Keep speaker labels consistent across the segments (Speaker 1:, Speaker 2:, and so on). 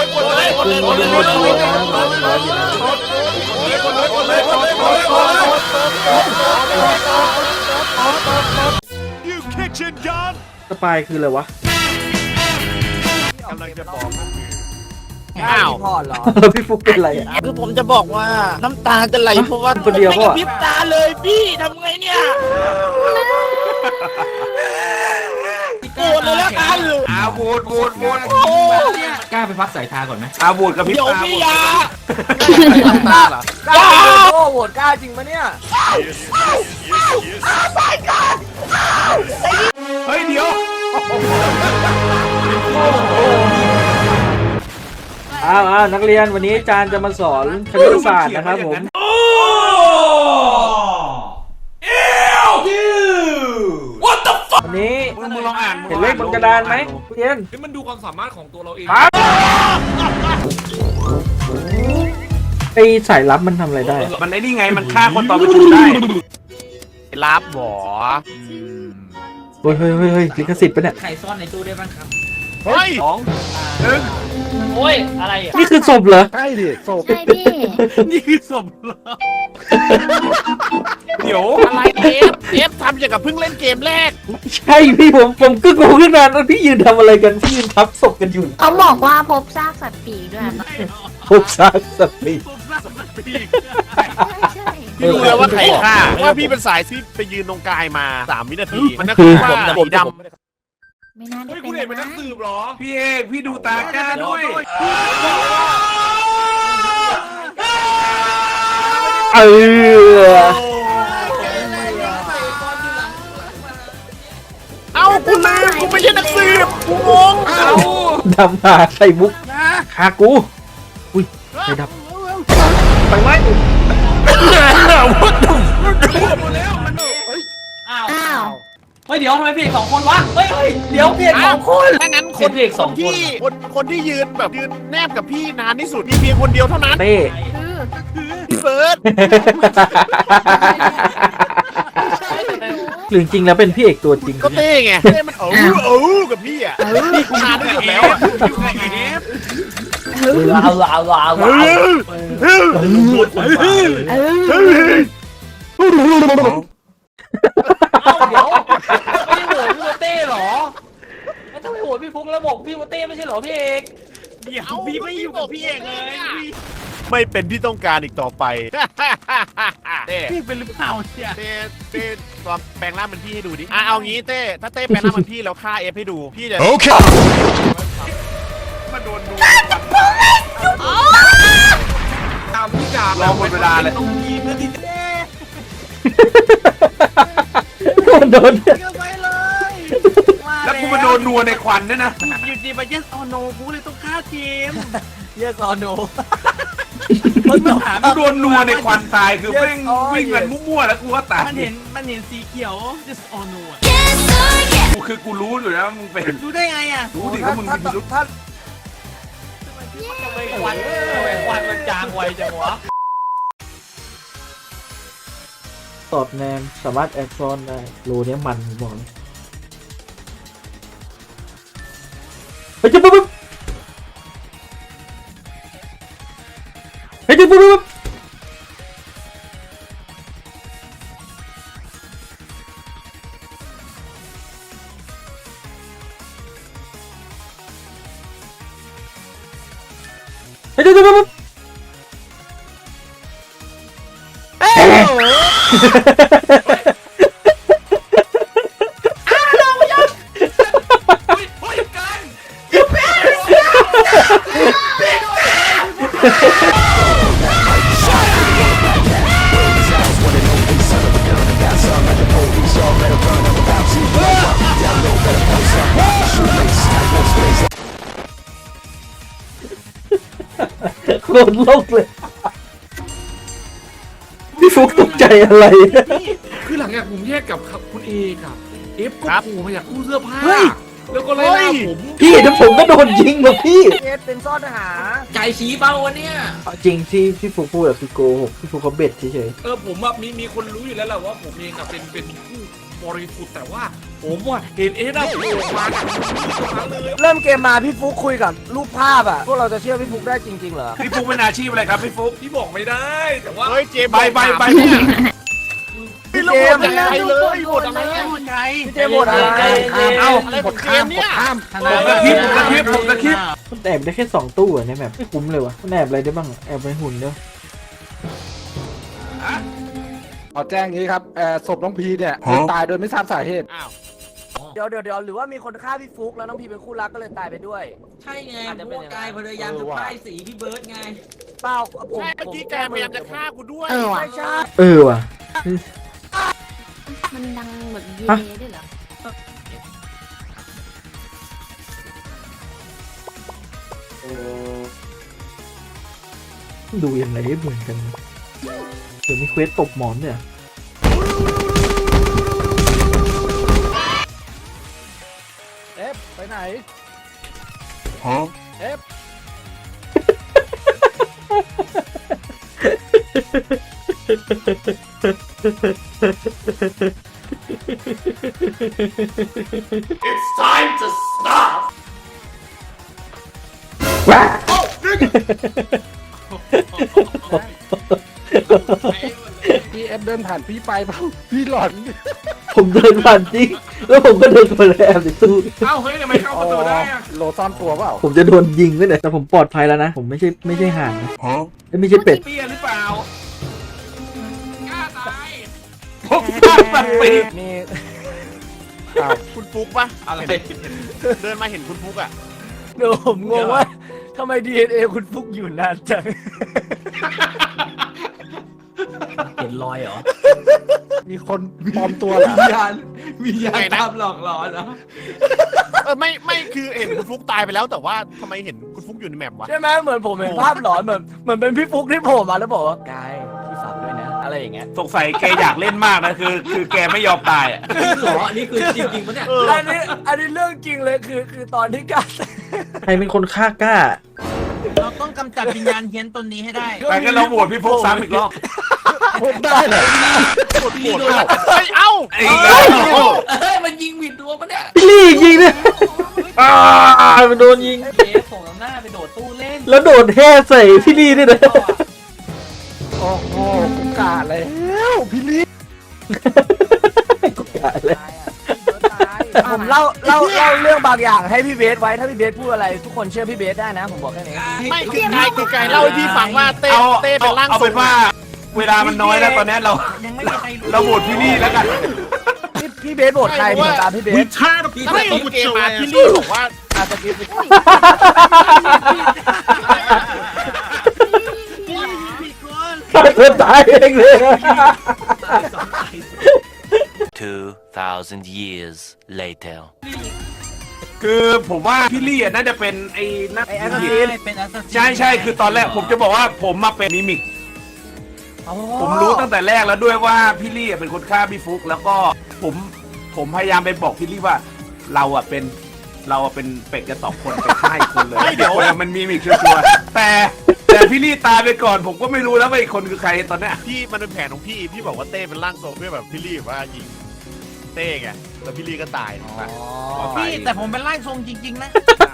Speaker 1: สปายคืออะไรวะ
Speaker 2: กำลังจะบอก
Speaker 3: อ้าว
Speaker 4: พอเหรอ
Speaker 1: พี่ฟุกเป็นอะไรอ่ะ
Speaker 3: คือผมจะบอกว่าน้ำตาจะไหลเพราะว่า
Speaker 1: คนเดียว
Speaker 3: ไม่
Speaker 1: ก็
Speaker 3: กระพริบตาเลยพี่ทำไงเนี่ยโกรธเลยแล้วกัน
Speaker 2: โหวต
Speaker 3: โอ้
Speaker 5: กล้าไปพักสายตาก่อนไหม
Speaker 2: โหวตกับพี่
Speaker 3: เดี๋ยว
Speaker 2: ตา
Speaker 3: พี่ยา
Speaker 2: ตาเหรอก
Speaker 4: ล้าโอ้โหวตกล้าจริงปะเนี่ย
Speaker 2: เฮ้ยเดี๋ยว
Speaker 1: นักเรียนวันนี้อาจารย์จะมาสอนคณิตศาสตร์นะครับผมวันนี้
Speaker 2: มึงลองอ่าน
Speaker 1: เห็นเลขบนกระดานไหมเรียน
Speaker 5: นี่มันดูความสามารถของตัวเราเอง
Speaker 1: ไอ้สายลับมันทำอะไรได้
Speaker 2: มันไอ้นี่ไงมันฆ่าคนตอนประชุมได้
Speaker 3: รับหรอ
Speaker 1: เฮ้ยลิขสิทธิ์ปะเนี่ย
Speaker 5: ใครซ่อนในตู้ได้บ้างครับ
Speaker 3: เฮ้ย
Speaker 5: โอ้ย อะไรอ่ะ
Speaker 1: นี่คือศพเหรอ
Speaker 4: ใช่ดิโศก
Speaker 6: ใช่พี่
Speaker 2: นี่คือศพเหรอเดี๋ยว
Speaker 3: อะไรเอฟทำอย่างกับเพิ่งเล่นเกมแรก
Speaker 1: ใช่พี่ผมก็งงขึ้นมาแล้วพี่ยืนทำอะไรกันพี่ยืนทับศพกันอยู่
Speaker 6: เขาบอกว่าพบซากสัตว์ปีกด้วย
Speaker 1: พบซากสัตว์ปีก
Speaker 6: ใช่
Speaker 3: พี่รู้แล้วว่าใครฆ่าว่าพี่เป็นสายที่ไปยืนตรงกายมา3 วินาทีมันนั่น
Speaker 1: คื
Speaker 3: คือ อผมสีดำ
Speaker 6: ไม่น่าได้
Speaker 5: เฮ้ย
Speaker 6: เป็
Speaker 5: คุ
Speaker 6: น
Speaker 5: ณเอกเป็นนั
Speaker 6: นะ
Speaker 5: กสืบเหรอ
Speaker 2: พี่เอกพี่ดูตากล้าด้วย
Speaker 1: เออ
Speaker 3: เอ้ากูลืมกูไม่ใช่นักสืบกูงง
Speaker 1: ดำมาใส่มุกคากูอุ้ยใครดับไปไหม
Speaker 5: อ้าว
Speaker 6: อ้าว
Speaker 5: เฮ้ย เดี๋ยวทำไมพี่เอกสองคนวะ เฮ้ย เดี๋ยวพี่เอกสองคน
Speaker 3: ถ้างั้น
Speaker 5: พี่เอกสองคน
Speaker 3: ที่คนที่ยืนแบบยืนแนบกับพี่นานที่สุดมีเพียงคนเดียวเท่านั้น
Speaker 1: เต้
Speaker 6: คือ
Speaker 3: พี่เฟิร์ส
Speaker 1: หรือจริงแล้วเป็นพี่เอกตัวจริง
Speaker 3: ก็เต้ไงเต้มันกับพี่อ่ะพี่กูนานที่สุดแล้วอ่ะ
Speaker 2: อยู่กับเอฟ
Speaker 5: ว้าว เอ้าเดี๋ยวไม่ได้โหวตพี่โมเต้เหรอแล้วทำไมโหวตพี่ฟุกแล้วบอกพี่โมเต้ไม่ใช่เหรอพี่เอก
Speaker 3: เดี๋ยวพี่ไม่อยู่กับพี่เองเลยไม่เป็นที่ต้องการอีกต่อไปเต้
Speaker 5: พี่เป็นหรือเปล่าเนี่ย
Speaker 3: เต้ตัวแปลงร่างเป็นพี่ให้ดูดิเอางี้เต้ถ้าเต้แปลงร่างเป็นพี่แล้วฆ่าเอฟให้ดูพี่จะ
Speaker 2: มาโดนดูตามพี่ดาบรอหมดเวลาเลย
Speaker 5: ต้องยิงนะดิเต้
Speaker 1: โดน
Speaker 2: แล้วกูมาโดนนัวในควันด้วยนะ
Speaker 5: อยู่ดีมาเยสออโนกูเลยต้องฆ่าเกม
Speaker 4: เยสอโน
Speaker 2: กูโดนนัวในควันตายคือแม่งวิ่งกันมั่วๆแล้วกูว่าตาย
Speaker 5: มันเห็นสีเขียว just on no อ่ะ
Speaker 2: กูคือกูรู้อยู่แล้วมึงเป็น
Speaker 5: รู้ได้ไงอ่ะ
Speaker 2: รู้ดิว่ามึงมีพิรุธ
Speaker 4: ถ้า
Speaker 5: ทำไมควันมันจางไวจังวะ
Speaker 1: ตอบแนมสามารถแอดซอนได้โลเนี้ยมันผมบอกเลยเฮ้ยปุ๊บปุ๊บเฮ้ยปุ๊บปุ๊บเฮ้ยปุ๊บปุ๊บ โคตรโลกเลยพี่ฟุกตกใจอะไร
Speaker 5: คือหลังจากผมแยกกับคุณเอกอะเอฟก็
Speaker 3: ครับ
Speaker 5: โผล่มาจากตู้เสื้อผ้าแล้วก็ไล่ล่าผม
Speaker 1: พี่เดี๋ยวผมก็โดนยิงว่ะพี่
Speaker 4: เอสเป็นซ่อนหา
Speaker 5: ไก่ชี้เป้าวะเนี่ย
Speaker 1: จริงที่พี่ฟุกพูดอะคือโกหกพี่ฟุกเขาเบ็ดเฉย
Speaker 5: ผมอะมีคนรู้อยู่แล้วแหละว่าผมเองอะเป็นผู้
Speaker 2: บริสุทธิ์แต่ว่าผมว่าเห็นเอ็ดอะโผล่มาจากตรงนั้นเลย
Speaker 4: เริ่มเกมมาพี่ฟุกคุยกับรูปภาพอ่ะพวกเราจะเชื่อพี่ฟุกได้จริงๆเหรอ
Speaker 2: พี่ฟุกเป็นอาชีพอะไรครับพี่ฟุกพี่บอกไม่ได้แต่ว่า
Speaker 3: เฮ้ยเจมส์
Speaker 2: ใบ
Speaker 4: พี่เจมส์
Speaker 3: ยังไงเลยหมดอะไรไง
Speaker 4: พี่เจมส์หมดอะไร
Speaker 3: เอาอะไรของเจมส์เนี่ย
Speaker 2: ผมตะคริป
Speaker 1: มันแอบได้แค่2 ตู้อะในแบบไม่คุ้มเลยวะมันแอบอะไรได้บ้างแอบไปหุ่นเด้อ
Speaker 7: ขอแจ้งอย่างนี้ครับศพน้องพีเนี่ยตายโดยไม่ทราบสาเหตุ
Speaker 3: อ้าว
Speaker 4: เดี๋ยวหรือว่ามีคนฆ่าพี่ฟุกแล้วน้องพีเป็นคู่รักก็เลยตายไปด้วย
Speaker 8: ใช่ไงพวกกายพยายามจะป้ายสีพี่เบิร์ดไง
Speaker 4: เปล่าผม
Speaker 3: ใช่เมื่อกี้แกพยายามจะฆ่ากูด้วย
Speaker 6: ว่ะ
Speaker 4: ไม่ใช่
Speaker 1: ว่ะ
Speaker 6: มันดังแบบเย่ด้วยเหรอ
Speaker 1: ดูยังไงให้เหมือนกันเดี๋ยวมีเควสตบหมอนเนี่ย
Speaker 7: เอฟไปไหน เอฟ พี่เอฟเดินผ่านพี่ไปเปล่าพี่หลอน
Speaker 1: ผมเดินผ่านจริงแล้วผมก็เดินมาแล้วในตู้
Speaker 2: เอ้าเฮ้ยทำไมเข้าประตูได้อะ
Speaker 7: โลซ่อนตัวเปล่า
Speaker 1: ผมจะโดนยิงด้วยเนี่ยแต่ผมปลอดภัยแล้วนะผมไม่ใช่ห่านนะไม่ใช่เป็ด
Speaker 2: เปี้ยหรือเปล่ากล้าตายผมกล้าตาย
Speaker 4: มี
Speaker 3: คุณฟุกปะ
Speaker 2: อะไร
Speaker 3: เดินมาเห็นคุณฟุกอ่ะ
Speaker 4: เดี๋ยวผมงงว่าทำไม DNA คุณฟุกอยู่นานจัง
Speaker 8: เห็นรอยเหรอ
Speaker 7: มีคนปลอมตัวเหรอ
Speaker 8: วิญญาณตามหลอกหลอนนะ
Speaker 3: ไม่คือเห็นคุณฟุกตายไปแล้วแต่ว่าทำไมเห็นคุณฟุกอยู่ในแมปวะ
Speaker 4: ใช่ไหมเหมือนผมเห็นภาพหลอนเหมือนเป็นพี่ฟุกที่โผล่มาแล้วบอกว่ากายพี่ฝากด้วยนะอะไรอย่างเงี้ย
Speaker 2: สงสัยแกอยากเล่นมากนะคือแกไม่ยอมตายอ่ะ
Speaker 8: หรออันนี้คือจริงๆปะเนี่ย
Speaker 4: อันนี้เรื่องจริงเลยคือตอนที่กาย
Speaker 1: ใครเป็นคนฆ่ากล้า
Speaker 8: เราต้องกำจัดวิญญาณเฮี้ยนตนนี้ให้ได้
Speaker 2: ไปกันเราโหวตพี่ฟุกซ้ำอีกรอบ
Speaker 7: ผมได้เหรอ
Speaker 3: กดโหวตเฮ้ยเอ้า
Speaker 2: ไอ้เหี้ย
Speaker 8: เฮ้ยมันยิงผิดตัวปะเนี่ย
Speaker 1: พี่ลี่ยิงเนี่ยมันโดนยิง
Speaker 8: เจ๊ส่งน้ำหน้าไปโดดตู้เล่น
Speaker 1: แล้วโดดแห่ใส่พี่ลี่ด้วยนะ
Speaker 7: โอ้โหกูกาแล้วพี่ลิ
Speaker 1: กูกะเลย
Speaker 4: ผมเล่าเรื่องบางอย่างให้พี่เบสไว้ถ้าพี่เบสพูดอะไรทุกคนเชื่อพี่เบสได้นะผมบอกแค่นี้
Speaker 3: ไม่คือไกเล่าให้พี่ฟังว่าเต้เป็นร่าง
Speaker 2: เอา
Speaker 3: ทร
Speaker 2: เป็น
Speaker 3: ง
Speaker 2: ว่า เวลามันน้อยแล้วตอนนี้เรา
Speaker 8: ยังไม่มีใครรู้
Speaker 2: เราโหวตพี่ลี่แล้วกัน
Speaker 4: พี่เบสโหวตใครผมตามพี่เบส
Speaker 8: พี่
Speaker 3: ไม่
Speaker 8: ต้อง
Speaker 3: เกมมาพี่ลี่บอกว่า
Speaker 4: อาจจะคิด
Speaker 1: ฆ่าตัวตายเองเลย
Speaker 9: 2,000 years later.
Speaker 2: คือผมว่าพี่ลี่น่าจะเป็นไอ้นัก
Speaker 4: ไอ้แอส
Speaker 2: ผี
Speaker 4: ซิน
Speaker 8: เป็นอัสซัสซิน
Speaker 2: ใช่คือตอนแรกผมจะบอกว่าผมมาเป็นมิมิก ผมรู้ตั้งแต่แรกแล้วด้วยว่าพี่ลี่เป็นคนฆ่าพี่ฟุกแล้วก็ผมพยายามไปบอกพี่ลี่ว่าเราเป็นเป็ดกัน2 คนเป็นฆ่าอีกคนเลยเดี๋ยวมันมีมิกชัวร์แต่พี่ลี่ตายไปก่อนผมก็ไม่รู้แล้วว่าอีกคนคือใครตอนเนี้ย
Speaker 3: พี่มันเป็นแผนของพี่บอกว่าเต้เป็นร่างทรงเพื่อแบบพี่ลี่ว่ายิงเต้ไงแล้วพี่ลี่ก็ตายถูกปะ
Speaker 8: พี่แต่ผมเป็นร่างทรงจริงๆนะ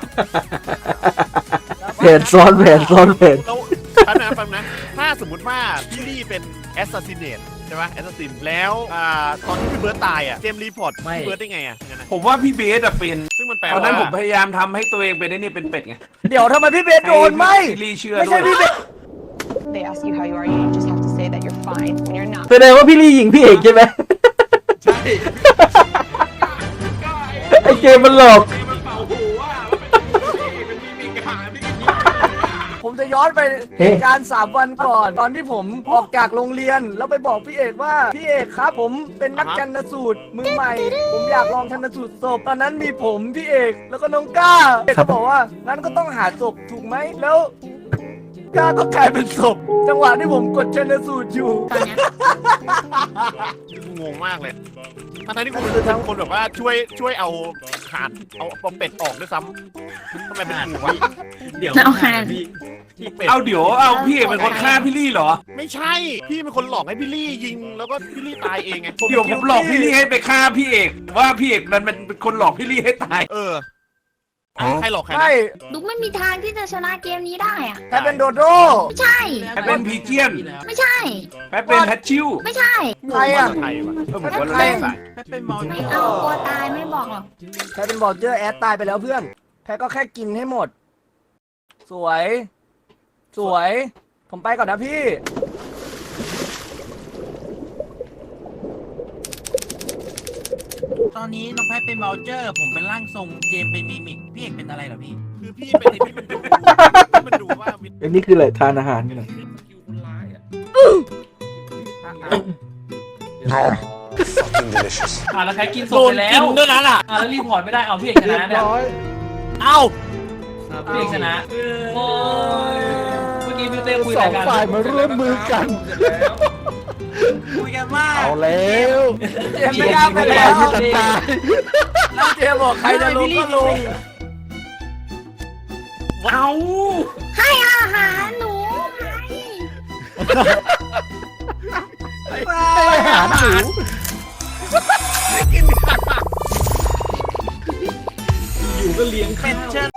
Speaker 1: แผนซ้อนแผน
Speaker 3: แล้วแป๊บนะถ้าสมมติว่าพี่ลี่เป็นแอสซัสซิเนตใช่ไหมแอสซัสซินแล้วตอนที่พี่เบิร์ตตายอ่ะเจมส์รีพอร์ตพี่เบิร์ตได้ไงอ่ะงั้นนะ
Speaker 2: ผมว่าพี่เบสเป็น
Speaker 3: ซึ่งมันแปล
Speaker 2: ตอน
Speaker 3: ว่า
Speaker 2: นั้นผมพยายามทำให้ตัวเองเป็นไอ้นี่เป็นเป็ดไง
Speaker 4: เดี๋ยวทำไมพี่เบสโดนไม่
Speaker 2: พี่ลี่เชื่อ
Speaker 4: ไม่
Speaker 2: ด้
Speaker 4: ใช่
Speaker 2: วย
Speaker 4: พี่เบส
Speaker 10: They ask you how you are, you just have to say that you're fine when you're not.
Speaker 1: แสดงว่าพี่ลี่ยิงพี่เอกใช่ไหม
Speaker 2: ใช่
Speaker 1: ไอเกมมันหลอก
Speaker 2: มันเป่าหูว่าเป็นมิมิกหาพี่
Speaker 4: ผมจะย้อนไปเหตุการณ์3 วันก่อน ตอนที่ผมออกจากโรงเรียน แล้วไปบอกพี่เอกว่าพี่เอกครับ ผมเป็นนักชันสูตรมือใหม่ ผมอยากลองชันสูตรศพตอนนั้นมีผมพี่เอกแล้วก็น้องก้าเอกก็บอกว่างั้นก็ต้องหาศพถูกไหมแล้วข้าก็กลายเป็นศพจังหวะที่ผมกดชันสูตรอยู่
Speaker 6: ตอนเนี้ย
Speaker 3: กูงงมากเลยทั้งที่กูเป็นคนแบบว่าช่วยเอาห่านเอาเป็ดออกด้วยซ้ำทำไมเป็นกูวะ
Speaker 5: เดี๋ยว
Speaker 6: เอาห่าน
Speaker 3: ที่เป็ด
Speaker 2: เอาเดี๋ยวเอาพี่เอกเป็นคนฆ่าพี่ลี่เหรอ
Speaker 3: ไม่ใช่พี่เป็นคนหลอกให้พี่ลี่ยิงแล้วก็พี่ลี่ตายเองไง
Speaker 2: เดี๋ยวผมหลอกพี่ลี่ให้ไปฆ่าพี่เอกว่าพี่เอกนั้นเป็นคนหลอกพี่ลี่ให้ตาย
Speaker 3: ใครหลอกใคร
Speaker 4: ใช่
Speaker 6: ดุกไม่มีทางที่จะชนะเกมนี้ได้อะ
Speaker 4: ใครเป็นโดโด
Speaker 6: ไม่ใช่
Speaker 2: ใครเป็นพีเจียน
Speaker 6: ไม่ใช่
Speaker 2: ใครเป็นแฮชชิว
Speaker 6: ไม่ใช่
Speaker 4: ใครอ่ะ
Speaker 3: ใครวะ
Speaker 2: ผมว่าเราเล่นสาย
Speaker 6: ไม่เอากลัวตายไม่บอกหรอก
Speaker 4: ใครเป็นบอลเจอร์แอดตายไปแล้วเพื่อนแพ้ก็แค่กินให้หมด สวย สวย ผมไปก่อนนะพี่
Speaker 5: ตอนนี้น้องแพทเป็นเบลเจอร์ ผมเป็นร่างทรงเจมเป็นมิมิกพี่เอกเป็นอะไรเหรอพี่
Speaker 3: คือพี่เป็นไอ้ที่มันดูว่า
Speaker 1: อันนี้คืออะไรทานอาหารกันเหรอ
Speaker 5: แล้วใครกินสดไปแล้วด้วยนั้นแล้วรีพอร์ตไม่ได้เอาพี่เอกช
Speaker 7: เรีย
Speaker 5: นะ
Speaker 7: บ
Speaker 5: เนี่ย
Speaker 7: ร้อย
Speaker 3: เอ้า
Speaker 5: พี่เอกชนะโอ้ยเมื่อกี้พี่เต้คุย
Speaker 7: ส
Speaker 5: อะ
Speaker 7: อ
Speaker 5: ไรง กัน
Speaker 7: ฝ่ายมาร่วมมือกัน
Speaker 5: คุยกันมาก
Speaker 7: เอาแล้ว
Speaker 4: เจมไม่กล้าไปแล้ว
Speaker 7: ไม่ตาย
Speaker 4: แล้วเจมบอกใครจะลงก็ลง
Speaker 2: เอา
Speaker 6: ให้อาหารหนูให้
Speaker 7: ให้อาหารหนู
Speaker 5: อยู่ก็เลี้ยงข้าว